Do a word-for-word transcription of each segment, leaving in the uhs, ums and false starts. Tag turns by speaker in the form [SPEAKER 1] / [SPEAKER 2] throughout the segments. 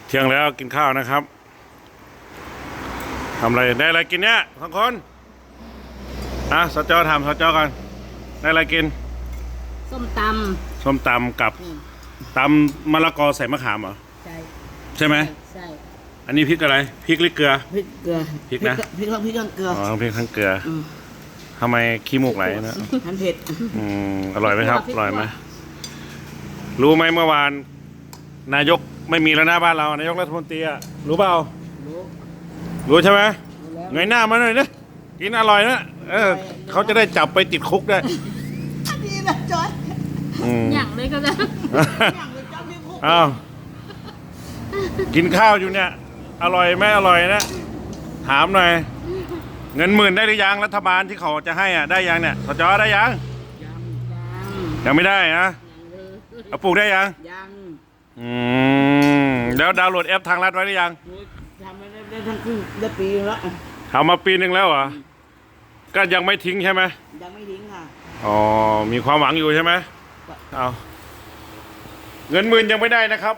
[SPEAKER 1] เที่ยงแล้วกินข้าวนะครับทำอะไรได้อะไรกินเนี่ยสองคนอ่ะสจทำสจก่อนได้อะไรกิน
[SPEAKER 2] ส้มต
[SPEAKER 1] ำส้มตำกับตำมะละกอใส่มะขามเหรอ
[SPEAKER 2] ใช่
[SPEAKER 1] ใช่ไหม
[SPEAKER 2] ใช่
[SPEAKER 1] อันนี้พริกอะไรพริกหรือเกลือ
[SPEAKER 2] พริกเกลือ
[SPEAKER 1] พริกนะ
[SPEAKER 2] พริกทั้งพริกทั้งเกลือ
[SPEAKER 1] อ๋อพริกทั้งเกลือทำไมขี้มูกไหลนะ
[SPEAKER 2] มันเผ็ด
[SPEAKER 1] อืมอร่อยไหมครับอร่อยไหมรู้ไหมเมื่อวานนายกไม่มีแล้วหน้าบ้านเรานายกรัฐมนตรีอะรู้เปล่ารู้รู้ใช่ไหมเงยหน้ามาหน่อยนะกินอร่อยนะเออเขาจะได้จับไปติดคุกได้
[SPEAKER 2] ดีนะจอยอย่างเลยก็ได้
[SPEAKER 1] อ้าวกินข้าวอยู่เนี่ยอร่อยไหมอร่อยนะถามหน่อยเงินหมื่นได้หรือยังรัฐบาลที่เขาจะให้อ่ะได้ยังเนี่ยสจได้ยังยังไม่ได้นะเอาปลูกได้ยัง
[SPEAKER 2] ยัง
[SPEAKER 1] อืมแล้วดาวน์โหลดแอปทางรัฐไว้หรือยัง
[SPEAKER 2] ทำมาได้ทั้งครึ่งได้ปีแล้ว
[SPEAKER 1] ทำมาปีหนึ่งแล้วเหรอก็ยังไม่ทิ้งใช่ไหม
[SPEAKER 2] ยังไม่ทิ้งค่ะ
[SPEAKER 1] อ๋อมีความหวังอยู่ใช่ไหมเอาเงินหมื่นยังไม่ได้นะครับ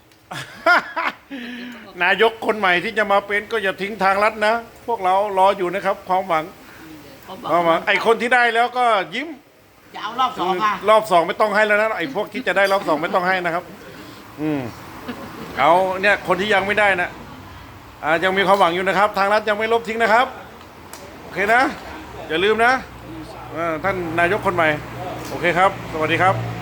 [SPEAKER 1] นายกคนใหม่ที่จะมาเป็นก็อย่าทิ้งทางรัฐนะพวกเรารออยู่นะครับความหวังความหวังไอคนที่ได้แล้วก็ยิ้ม
[SPEAKER 2] จะเอารอบสองค่ะ
[SPEAKER 1] รอบสองไม่ต้องให้แล้วนะไอพวกที่จะได้รอบสองไม่ต้องให้นะครับอืมเอาเนี่ยคนที่ยังไม่ได้นะอ่ายังมีความหวังอยู่นะครับทางรัฐยังไม่ลบทิ้งนะครับโอเคนะอย่าลืมนะท่านนายกคนใหม่โอเคครับสวัสดีครับ